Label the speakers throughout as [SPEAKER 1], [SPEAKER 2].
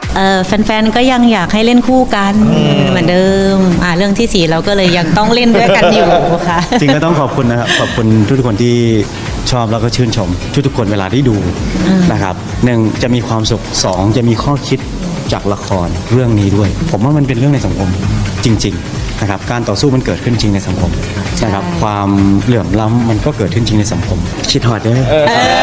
[SPEAKER 1] แฟนๆก็ยังอยากให้เล่นคู่กันเหมือนเดิมเรื่องที่ 4เราก็เลยยังต้องเล่นด้วยกันอยู่ค่ะ
[SPEAKER 2] จริงก็ต้องขอบคุณนะครับขอบคุณทุกคนที่ชอบแล้วก็ชื่นชมทุกคนเวลาที่ดูนะครับ1จะมีความสุข2จะมีข้อคิดจากละครเรื่องนี้ด้วยผมว่ามันเป็นเรื่องในสังคมจริงๆนะครับการต่อสู้มันเกิดขึ้นจริงในสังคมนะครับความเหลื่อมล้ำมันก็เกิดขึ้นจริงในสังคมคิดฮอดได้ไหม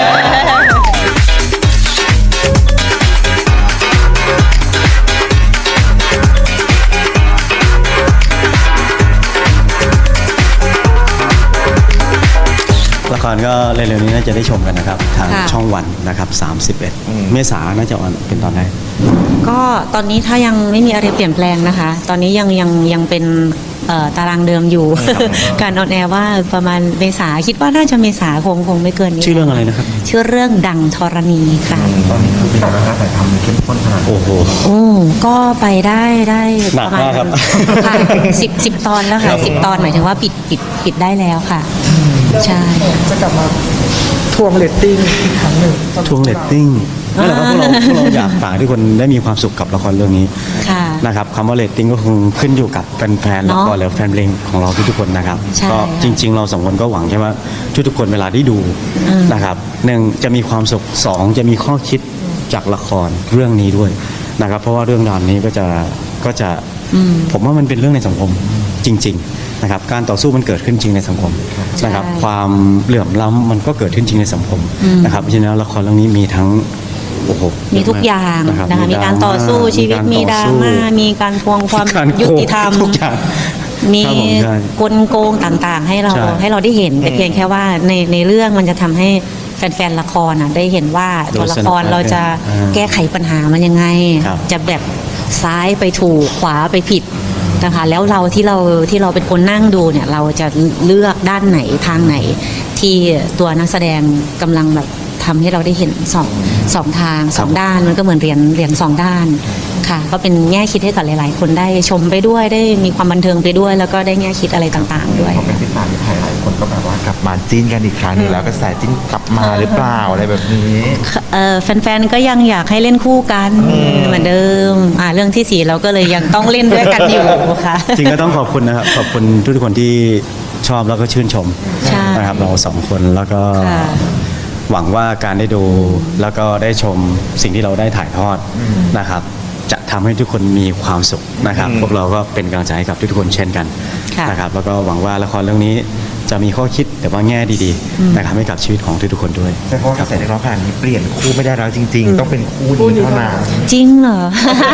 [SPEAKER 2] ละครก็เร็วๆนี้น่าจะได้ชมกันนะครับทางช่องวันนะครับ31เมษายนน่าจะออนเป็นตอนแรก
[SPEAKER 1] ก็ตอนนี้ถ้ายังไม่มีอะไรเปลี่ยนแปลงนะคะตอนนี้ยังเป็นตารางเดิมอยู่การออนแอร์ว่าประมาณเมษาคิดว่าน่าจะเมษาคงไม่เกินนี้
[SPEAKER 2] ชื่อเรื่องอะไรนะครับ
[SPEAKER 1] ชื่อเรื่องดังธรณีค่ะ
[SPEAKER 3] ตอนนี้คือเป็นการถ่ายทำเข้มข้นขนาด
[SPEAKER 2] โอ้โห
[SPEAKER 1] ก็ไปได้
[SPEAKER 2] หนักมากครับ
[SPEAKER 1] ค่ะ10 ตอนแล้วค่ะ10 ตอนหมายถึงว่าปิดได้แล้วค่ะใช่
[SPEAKER 4] จะกลับมาทวงเรตติ้งอีกครั้งหนึ่ง
[SPEAKER 2] ทวงเรตติ้งนั่นแหละว่าพวกเราอยากฝากทุกคนได้มีความสุขกับละครเรื่องนี้นะครับคำว่าเรตติ้งก็คงขึ้นอยู่กับแฟนๆละครหรือแฟนเพลงของเราทุกๆคนนะครับก็จริงๆเรา2 คนก็หวังแค่ว่าทุกๆคนเวลาที่ดูนะครับ1จะมีความสุข2จะมีข้อคิดจากละครเรื่องนี้ด้วยนะครับเพราะว่าเรื่องราวนี้ก็จะผมว่ามันเป็นเรื่องในสังคมจริงๆนะครับการต่อสู้มันเกิดขึ้นจริงในสังคมนะครับความเหลื่อมล้ำมันก็เกิดขึ้นจริงในสังคมนะครับเพราะฉะนั้นละครเรื่องนี้มีทั้ง
[SPEAKER 1] มีทุกอย่างนะคะมีการต่อสู้ชีวิตมีดราม่ามีการทวงความยุติธรรมมีกลโกงต่างๆให้เราได้เห็นแต่เพียงแค่ว่าในเรื่องมันจะทำให้แฟนๆละครได้เห็นว่าตัวละครเราจะแก้ไขปัญหามันยังไงจะแบบซ้ายไปถูกขวาไปผิดนะคะแล้วเราที่เราเป็นคนนั่งดูเนี่ยเราจะเลือกด้านไหนทางไหนที่ตัวนักแสดงกำลังแบบทำให้เราได้เห็นสองทาง2 ด้านมันก็เหมือนเหรียญ2 ด้านค่ะก็เป็นแง่คิดให้กับหลายๆคนได้ชมไปด้วยได้มีความบันเทิงไปด้วยแล้วก็ได้แง่คิดอะไรต่างๆด้วย
[SPEAKER 3] พอเป็นที่3ที่ไทยหลายคนก็แบบว่ากลับมาจิ้นกันอีกครั้งนึงแล้วก็แสจิ้นกลับมาหรือเปล่าอะไรแบบนี้
[SPEAKER 1] แฟนๆก็ยังอยากให้เล่นคู่กันเหมือนเดิมเรื่องที่ 4เราก็เลยยังต้องเล่นด้วยกันอยู่ค่ะ
[SPEAKER 2] จริงก็ต้องขอบคุณนะครับขอบคุณทุกคนที่ชอบแล้วก็ชื่นชมนะครับเรา2 คนแล้วก็หวังว่าการได้ดูแล้วก็ได้ชมสิ่งที่เราได้ถ่ายทอดนะครับจะทำให้ทุกคนมีความสุขนะครับพวกเราก็เป็นกำลังใจให้กับทุกคนเช่นกันนะครับแล้วก็หวังว่าละครเรื่องนี้จะมีข้อคิดแต่ว่าแง่ดีๆนะครับให้กับชีวิตของทุกๆคนด้วย
[SPEAKER 3] เพราะกระแสในรอบขนาดนี้เปลี่ยนคู่ไม่ได้แล้วจริงๆต้องเป็นคู่นี้เท่านั้น
[SPEAKER 1] จริงเหรอ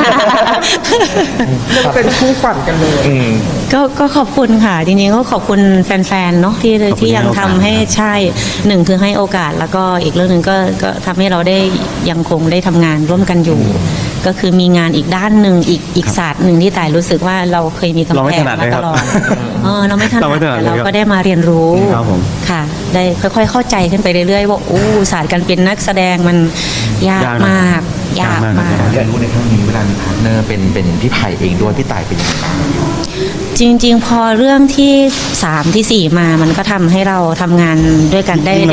[SPEAKER 4] ยังเป็นคู่ฝันกันเลย
[SPEAKER 1] ก็ขอบคุณค่ะจริงๆก็ขอบคุณแฟนๆเนาะที่ยังทำให้ใช่1คือให้โอกาสแล้วก็อีกเรื่องนึงก็ทำให้เราได้ยังคงได้ทำงานร่วมกันอยู่ก็คือมีงานอีกด้านหนึ่งอีกศาสตร์หนึ่งที่ต่ายรู้สึกว่าเราเคยมีกำแพงมาตลอดเราไม่ถนัดแต่เราก็ได้มาเรียนรู้ค่ะได้ค่อยๆเข้าใจขึ้นไปเรื่อยๆว่าศาสตร์การเป็นนักแสดงมันยากมาก
[SPEAKER 3] เรียนรู้ในครั้งนี้เวลามีพาร์ทเนอร์เป็นพี่ไผ่เองด้วยพี่ต่ายเป็นยังไงบ้าง
[SPEAKER 1] จริงๆพอเรื่องที่3ที่4มามันก็ทำให้เราทำงานด้วยกันได้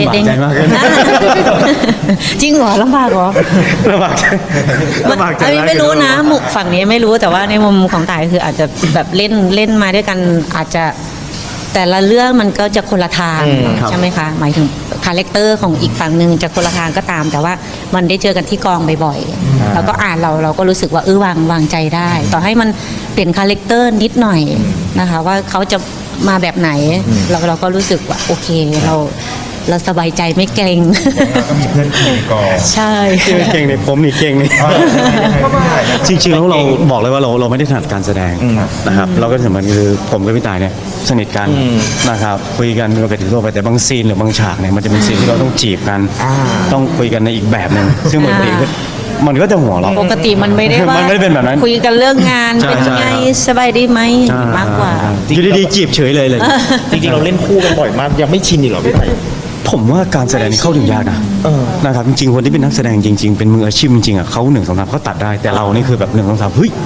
[SPEAKER 1] จริงเหรอลำบากเหรอ
[SPEAKER 2] ลำบากใจ
[SPEAKER 1] ไม่รู้นะมุกฝั่งนี้ไม่รู้แต่ว่าในมุมของต่ายคืออาจจะแบบเล่นมาด้วยกันอาจจะแต่ละเรื่องมันก็จะคนละทางใช่ไหมคะหมายถึงคาแรคเตอร์ของอีกฝั่งหนึ่งจะคนละทางก็ตามแต่ว่ามันได้เจอกันที่กองบ่อยๆแล้วก็เราก็รู้สึกว่าวางใจได้ต่อให้มันเปลี่ยนคาแรคเตอร์นิดหน่อยนะคะว่าเขาจะมาแบบไหนเราก็รู้สึกว่าโอเคเราสบายใจไม่เกรง
[SPEAKER 3] ก็มีเพื่อนคุยก่อน
[SPEAKER 1] ใช่
[SPEAKER 2] เก่งในผมนี่เก่งนี่จริงๆแล้วเราบอกเลยว่าเราไม่ได้ถนัดการแสดงนะครับเราก็สมมติคือผมกับพี่ต่ายเนี่ยสนิทกันนะครับคุยกันปกติทั่วไปแต่บางซีนหรือบางฉากเนี่ยมันจะเป็นซีนที่เราต้องจีบกันต้องคุยกันในอีกแบบนึงซึ่งมันก็จะหัวเรา
[SPEAKER 1] ปกติมันไม่ได้ว่า
[SPEAKER 2] มันไม่ได้เป็นแบบนั้น
[SPEAKER 1] คุยกันเรื่องงานเป็นไงสบายดีไหมมากกว่า
[SPEAKER 2] อยู่ดีๆจีบเฉยเลย
[SPEAKER 3] จริงๆเราเล่นคู่กันบ่อยมากยังไม่ชินอีกหรอพี่ไผ่
[SPEAKER 2] ผมว่าการแสดงเข้าถึงยากนะครับจริงๆคนที่เป็นนักแสดงจริงๆเป็นมืออาชีพจริงๆเขา1 2 3เขาตัดได้แต่เรานี่คือแบบ1 2 3เฮ้ย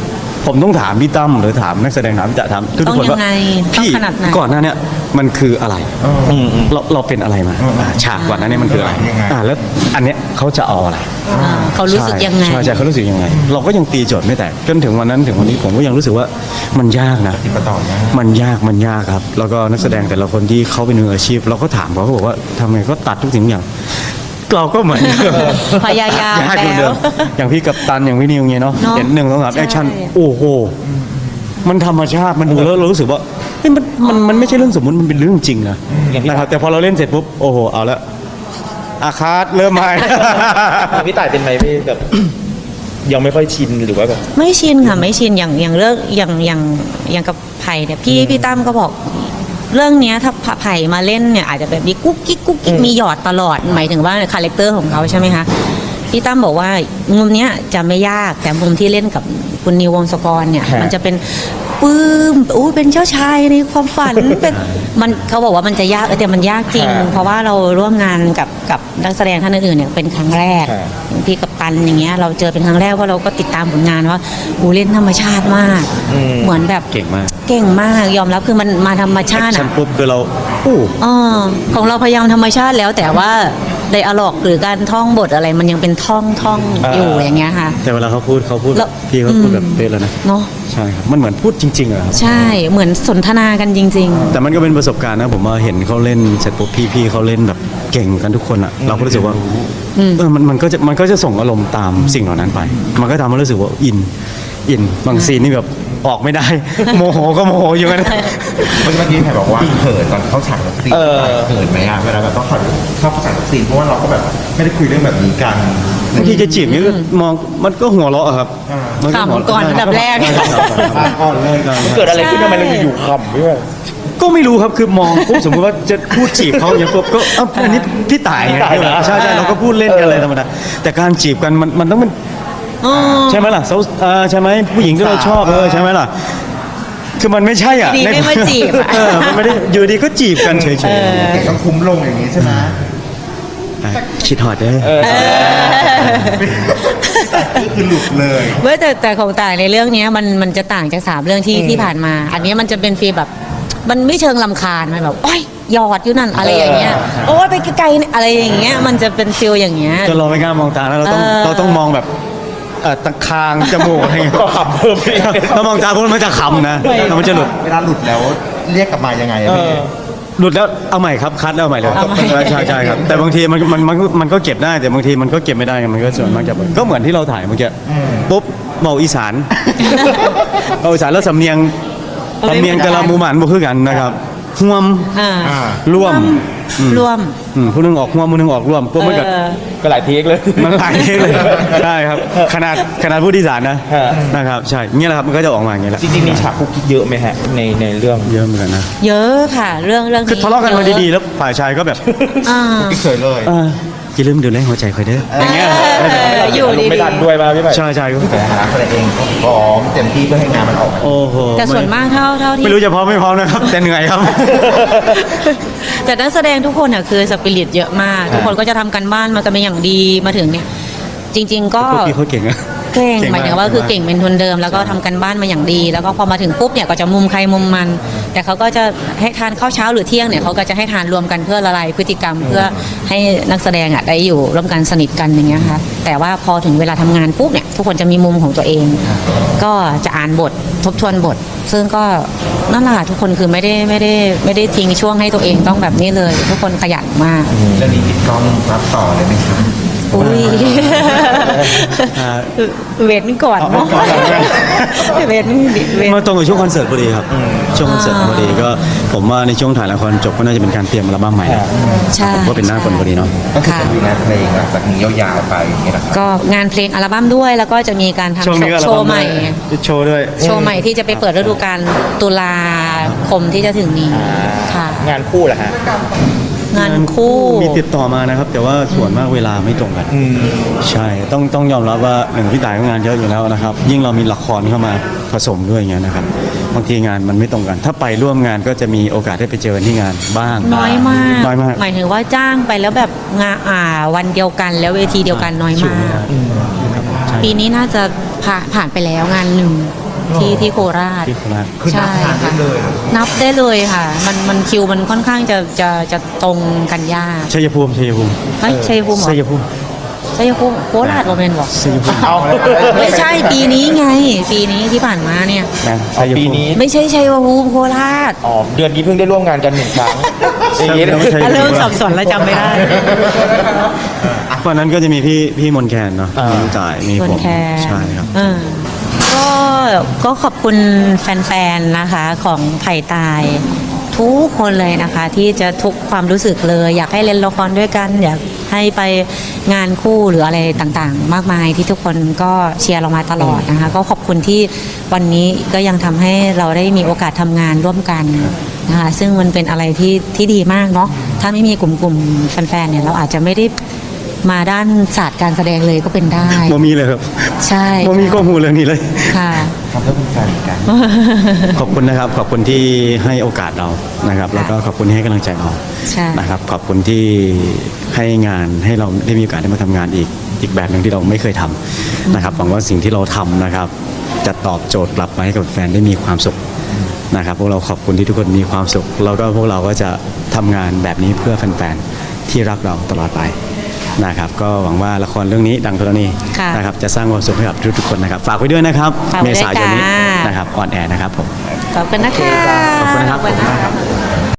[SPEAKER 2] ผมต้องถามพี่ตั้มหรือถามนักแสดงถามจะถามทุก
[SPEAKER 1] ต้อง
[SPEAKER 2] คน
[SPEAKER 1] ยั
[SPEAKER 2] ว่าง
[SPEAKER 1] ไงต้อง
[SPEAKER 2] พี่
[SPEAKER 1] ขนาดไหน
[SPEAKER 2] ก่อนหน้าเนี้ยมันคืออะไรเราเป็นอะไรมาฉากก่อนหน้านี้มันคืออะไรแล้วอันเนี้ยเขาจะเอาอะไร
[SPEAKER 1] เขารู้สึกยังไง
[SPEAKER 2] ใช่เขารู้สึกยังไง เราก็ยังตีโจทย์ไม่แตกจนถึงวันนั้นถึงวันนี้ผมก็ยังรู้สึกว่ามันยากนะ
[SPEAKER 3] ติดต่อนะ
[SPEAKER 2] มันยากครับ แล้วก็นักแสดงแต่ละคนที่เขาเป็นมืออาชีพ เราก็ถามเขาบอกว่าทำไมก็ตัดทุกสิ่งอย่าง เราก็เหมือน
[SPEAKER 1] พยายาม
[SPEAKER 2] ยากเหมือนเดิ
[SPEAKER 1] แล้
[SPEAKER 2] ม
[SPEAKER 1] ว
[SPEAKER 2] อย่างพี่กัปตันอย่างพี่นิวเงี้ยเนาะ
[SPEAKER 1] เนอะ
[SPEAKER 2] เห็น1 2 3แอคชั่น
[SPEAKER 1] ใช่
[SPEAKER 2] โอ้โหมันธรรมชาติมันดูแล้วเรารู้สึกว่าเฮ้ยมันไม่ใช่เรื่องสมมุติมันเป็นเรื่องจริงนะครับแต่พอเราเล่นเสร็จปุ๊บโอ้โหเอาละอาคาตเริ่มใหม่
[SPEAKER 5] พี่ต่ายเป็นไหมพี่แบบ ยังไม่ค่อยชินหรือว่าแบบ
[SPEAKER 1] ไม่ชินค่ะไม่ชินอย่างเรื่องอย่างกับไผ่เนี่ยพี่ตั้มก็บอก เรื่องเนี้ยถ้าไผ่มาเล่นเนี่ยอาจจะแบบมีกุ๊กกิ๊กมีหยอดตลอดหมายถึงว่าคาแรคเตอร์ของเขาใช่ไหมคะพี่ตั้มบอกว่ามุมเนี้ยจะไม่ยากแต่มุมที่เล่นกับคุณนิววงศกรเนี่ย
[SPEAKER 5] ฮะ
[SPEAKER 1] มันจะเป็นปื้มอู้เป็นเจ้าชายในความฝัน เป็นมันเขาบอกว่ามันจะยากแต่มันยากจริง เพราะว่าเราร่วมงานกับนักแสดงท่านอื่นๆเนี่ยเป็นครั้งแรกอย่างพี่กัปตันอย่างเงี้ยเราเจอเป็นครั้งแรกว่าเราก็ติดตามผลงานว่าอูเล่นธรรมชาติมาก เหมือนแบบ
[SPEAKER 2] เก่งมาก
[SPEAKER 1] เก่งมากยอมรับคือมันมาธรรมชาติ
[SPEAKER 2] ฉัน
[SPEAKER 1] อ่ะ
[SPEAKER 2] ปุ๊บคือเราอู้
[SPEAKER 1] ของเราพยายามธรรมชาติแล้วแต่ว่าไดอะล็อกหรือการท่องบทอะไรมันยังเป็นท่องอยู่อย่างเงี้ยค่ะ
[SPEAKER 2] แต่เวลาเขาพูด
[SPEAKER 1] แล้ว
[SPEAKER 2] พี่เขาพูดแบบเป๊ะแล้วนะ
[SPEAKER 1] เนาะ
[SPEAKER 2] ใช่ครับมันเหมือนพูดจริงๆอะครับ
[SPEAKER 1] ใช่เหมือนสนทนากันจริง
[SPEAKER 2] แต่มันก็เป็นประสบการณ์นะผมว่าเห็นเขาเล่นเสร็จปุ๊บพี่ๆเขาเล่นแบบเก่งกันทุกคนอ่ะเราก็รู้สึกว่ามันก็จะส่งอารมณ์ตามสิ่งเหล่านั้นไป มันก็ทำให้รู้สึกว่าอินบางซีนนี่แบบออกไม่ได้ โมโหก็โมโหอยู่กัน
[SPEAKER 3] เมื่อกี้แผ่บอกว่าเขินตอนเข้าฉากกับซีนเขินไหมอ่ะเวลาแบบต้องเข้าฉากกับซีนเพราะว่าเราก็แบบไม่ได้คุยเรื่องแบบนี้กัน
[SPEAKER 2] บางทีจะจีบนี่ก็มองมันก็หัวเราะอะครับมันก็หัว
[SPEAKER 1] ขำก่อนอันดับแรก
[SPEAKER 2] ก่อนเลย
[SPEAKER 5] เกิดอะไรขึ้นทำไมเราอยู่ๆขำพี่ว่า
[SPEAKER 2] ก็ไม่รู้ครับคือมองปุ๊บสมมติว่าจะพูดจีบเขาอย่างปุ๊บก็อันนี้พี่ต่ายไง
[SPEAKER 5] พี่ต่ายเหรอ
[SPEAKER 2] ใช่เราก็พูดเล่นกันอะไรธรรมดาแต่การจีบกันมันต้องเป็น ใช่ไหมล่ะใช่ไหมผู้หญิงที่เราชอบใช่ไหมล่ะคือมันไม่ใช่อ่ะ
[SPEAKER 1] ดีไม่มาจีบอะ
[SPEAKER 2] มันไม่ได้อยู่ดีก็จีบกันเฉย
[SPEAKER 3] แต่ต้องคุ้มลงอย่างนี้ใช่ไหม
[SPEAKER 2] ๆคิดฮอดเด้อ
[SPEAKER 3] นี่คือหลุดเลย
[SPEAKER 1] เว้ยแต่ของต่างในเรื่องเนี้ยมันจะต่างจาก3เรื่องที่ผ่านมา อันเนี้ยมันจะเป็นฟีลแบบมันไม่เชิงลำคาญมันแบบโอ้ยหยอดอยู่นั่นอะไรอย่างเงี้ยโอ้ยไปไกลๆเนี่ยอะไรอย่างเงี้ยมันจะเป็นฟีลอย่างเงี้ย
[SPEAKER 2] จนเราไม่กล้ามองตาแล้วเราต้องมองแบบตะคางจมูกอะไรเงี้ย
[SPEAKER 5] ก็ขำเพิ่มไปอีก
[SPEAKER 2] ถ้ามองตาพวกมันจะขำนะแล้วมันจะหลุด
[SPEAKER 3] เวลาหลุดแล้วเรียกกลับมายังไงอะพี่
[SPEAKER 2] หลุดแล้วเอาใหม่ครับคัดเอาใหม่เลย
[SPEAKER 1] เอาใหม่
[SPEAKER 2] ใช่ครับแต่บางทีมันก็เก็บได้แต่บางทีมันก็เก็บไม่ได้มันก็ส่วนมากจะก็เหมือนที่เราถ่ายเมื่อกี้ปุ๊บเมาอีสานเมาอีสานแล้วสำเนียงแต่ละหมู่บ้านบ่คือกันนะครับห่วม
[SPEAKER 1] อ่า
[SPEAKER 2] ร่วม
[SPEAKER 1] ร่วม
[SPEAKER 2] ผู้หนึงออกห่วมผู้หนึงออกร่วมปุ๊บมันก็
[SPEAKER 5] ก็หลายเทคเลย
[SPEAKER 2] มันหลายเทคเลยใช่ครับขนาดผู้ที่สารนะ
[SPEAKER 5] ฮะ
[SPEAKER 2] นะครับใช่เงี้ยแหละครับมันก็จะออกมาอย่างเงี้ยแหละ
[SPEAKER 5] จริงๆมีฉากคุกกิ๊กเยอะไหมฮะในเรื่อง
[SPEAKER 2] เยอะเหมือนกันนะ
[SPEAKER 1] เยอะค่ะเรื่องนี้
[SPEAKER 2] คือทะเลาะกันมาดีๆแล้วฝ่ายชายก็แบบ
[SPEAKER 1] อ่า
[SPEAKER 3] ไม่เคยเลย
[SPEAKER 2] อย่าลืมดูแลหัวใจคอยเด้ออย่างเงี้ย
[SPEAKER 1] อยู่ดี
[SPEAKER 5] ไม่ทันด้วยมาพี่ใหม่
[SPEAKER 2] ใช่ใช่
[SPEAKER 3] แต่หาคนเองก็พร้อมเต็มที่เพื่อให้งานมันออกมา
[SPEAKER 2] โอ้โห
[SPEAKER 1] แต่ส่วนมากเท่าที่
[SPEAKER 2] ไม่รู้จะพร้อมไม่พร้อมนะครับ แต่เหนื่อยครับ
[SPEAKER 1] แต่นักแสดงทุกคนเนี่ยคือสปิริตเยอะมาก ทุกคนก็จะทำกันบ้านมากันเป็นอย่างดีมาถึงเนี่ย จริง ๆ ก็
[SPEAKER 2] พวกพี่เขาเก่งอะ
[SPEAKER 1] เก่ง
[SPEAKER 2] เก่งมาก
[SPEAKER 1] หมายถึงว่าคือเก่งเป็นทุนเดิม แล้วก็ทำกันบ้านมาอย่างดี แล้วก็พอมาถึงปุ๊บเนี่ยก็จะมุมใครมุมมัน แต่เขาก็จะให้ทานข้าวเช้าหรือเที่ยงเนี่ยเขาก็จะให้ทานรวมกันเพื่อละลายพฤติกรรมเพื่อให้นักแสดงอ่ะได้อยู่ร่วมกันสนิทกันอย่างเงี้ยค่ะแต่ว่าพอถึงเวลาทำงานปุ๊บเนี่ยทุกคนจะมีมุมของตัวเอง ก็จะอ่านบททบทวนบท ซึ่งก็นั่นแหละทุกคนคือไม่ได้ทิ้งช่วงให้ตัวเองต้องแบบนี้เลย ทุกคนขยันมาก
[SPEAKER 3] เรื่องนี้ติดกล้องรับต่อเลยไหมครับ
[SPEAKER 1] อุ้ย
[SPEAKER 2] อ่า
[SPEAKER 1] เวทนี่ก่อนเนาะเวทนี่เวท
[SPEAKER 2] มาตรงกับช่วงคอนเสิร์ตพอดีครับช่วงคอนเสิร์ตพอดีก็ผมว่าในช่วงถ่ายละครจบก็น่าจะเป็นการเตรียมอัลบั้มใหม่นะ
[SPEAKER 1] ใช่
[SPEAKER 2] ผมก็เป็นหน้าคนพอดีเนาะ
[SPEAKER 3] ก็คือจะมีงานเพลงหลังจากนี้ยาวๆไปอย่างเงี้ยนะครับ
[SPEAKER 1] ก็งานเพลงอัลบั้มด้วยแล้วก็จะมีการทำ
[SPEAKER 2] ช่วงนี้ก็
[SPEAKER 1] โชว์ใหม่
[SPEAKER 2] โชว์ด้วย
[SPEAKER 1] โชว์ใหม่ที่จะไปเปิดฤดูกาลตุลาคมที่จะถึงนี้ค่ะ
[SPEAKER 5] งานคู่แหละฮะ
[SPEAKER 1] งานคู่
[SPEAKER 2] มีติดต่อมานะครับ แต่ว่าส่วนมากเวลาไม่ตรงกันใช่ต้องยอมรับว่าหนึ่งพี่ต่ายก็งานเยอะอยู่แล้วนะครับ ยิ่งเรามีละครเข้ามาผสมด้วยอย่างเงี้ยนะครับบางทีงานมันไม่ตรงกัน ถ้าไปร่วมงานก็จะมีโอกาสได้ไปเจอที่งานบ้าง
[SPEAKER 1] น้อยมาก
[SPEAKER 2] น้อยมาก
[SPEAKER 1] หมายถึงว่าจ้างไปแล้วแบบงานวันเดียวกันแล้วเวทีเดียวกันน้อยมาก ปีนี้น่าจะผ่านไปแล้วงานหนึ่งที่โคราช
[SPEAKER 2] ที่โคราช
[SPEAKER 3] คือนับทานได้เลยอะ
[SPEAKER 1] นับได้เลยค่ะ มันคิวมันค่อนข้างจะตรงกันยาก
[SPEAKER 2] ชัยภูมิ
[SPEAKER 1] เฮ้ยชัยภูมิเหรอ
[SPEAKER 2] ชัยภูมิ
[SPEAKER 1] ชัยภูมิโคราชโรเมนบอก
[SPEAKER 2] ชัยภูมิ
[SPEAKER 5] เอา
[SPEAKER 1] ไม่ใช่ปีนี้ไง ปีนี้ที่ผ่านมาเนี่ย
[SPEAKER 2] นะ
[SPEAKER 5] เอา
[SPEAKER 2] ชัยภูมิ
[SPEAKER 5] ปีนี้
[SPEAKER 1] ไม่ใช่ชัยภูมิโคราช
[SPEAKER 5] อ๋อเดือนนี้เพิ่งได้ร่วมงานกัน1 ครั้งอย่างนี้เลย
[SPEAKER 2] ไม่ใช่
[SPEAKER 1] เริ่มสับสนแล้วจำไม่ได้
[SPEAKER 2] วันนั้นก็จะมีพี่มนแคนเนาะมีลูกจ่ายมี
[SPEAKER 1] ส่ว
[SPEAKER 2] ผ
[SPEAKER 1] น
[SPEAKER 2] ม
[SPEAKER 1] แค่
[SPEAKER 2] ใช่ครับ
[SPEAKER 1] ก็ขอบคุณแฟนๆนะคะของไผ่ตายทุกคนเลยนะคะ ที่จะทุกความรู้สึกเลย อยากให้เล่นละครด้วยกัน อยากให้ไปงานคู่หรืออะไรต่างๆ มากมายที่ทุกคนก็เชียร์เรามาตลอดนะคะ ก็ขอบคุณที่วันนี้ก็ยังทำให้เราได้มีโอกาสทำงานร่วมกันนะคะซึ่งมันเป็นอะไรที่ดีมากเนาะถ้าไม่มีกลุ่มแฟนๆเนี่ยเราอาจจะไม่ได้มาด้านศาสตร์การแสดงเลยก็เป็นได้
[SPEAKER 2] โมมีเลยครับ
[SPEAKER 1] ใช่
[SPEAKER 2] โมมีข้อมูลเรื่องนี้เลย
[SPEAKER 1] ค่ะ
[SPEAKER 3] ทำเพื่อเป็นแฟนกัน
[SPEAKER 2] ขอบคุณนะครับ ขอบคุณที่ให้โอกาสเรานะครับ แล้วก็ขอบคุณที่ให้กำลังใจเรา
[SPEAKER 1] ใช่
[SPEAKER 2] นะครับ ขอบคุณที่ให้งานให้เราได้มีโอกาสได้มาทำงานอีกแบบหนึ่งที่เราไม่เคยทำนะครับหวังว่าสิ่งที่เราทำนะครับ จะตอบโจทย์กลับมาให้กับแฟนได้มีความสุขนะครับพวกเราขอบคุณที่ทุกคนมีความสุขแล้วก็พวกเราก็จะทำงานแบบนี้เพื่อแฟนๆที่รักเราตลอดไปนะครับ ก็หวังว่าละครเรื่องนี้ดังธรณี
[SPEAKER 1] ค่ะ
[SPEAKER 2] นะครับจะสร้างความสุขให้กับทุกๆคนนะครับ ฝากไว้ด้วยนะครับ
[SPEAKER 1] ฝากไว้
[SPEAKER 2] เม
[SPEAKER 1] ด้วย
[SPEAKER 2] ษายนนี้
[SPEAKER 1] ค่ะ
[SPEAKER 2] นะครับออนแอร์นะครับผม
[SPEAKER 1] ขอบคุณนะคะ
[SPEAKER 2] ขอบคุณนะครับ
[SPEAKER 1] ขอบคุณนะคะ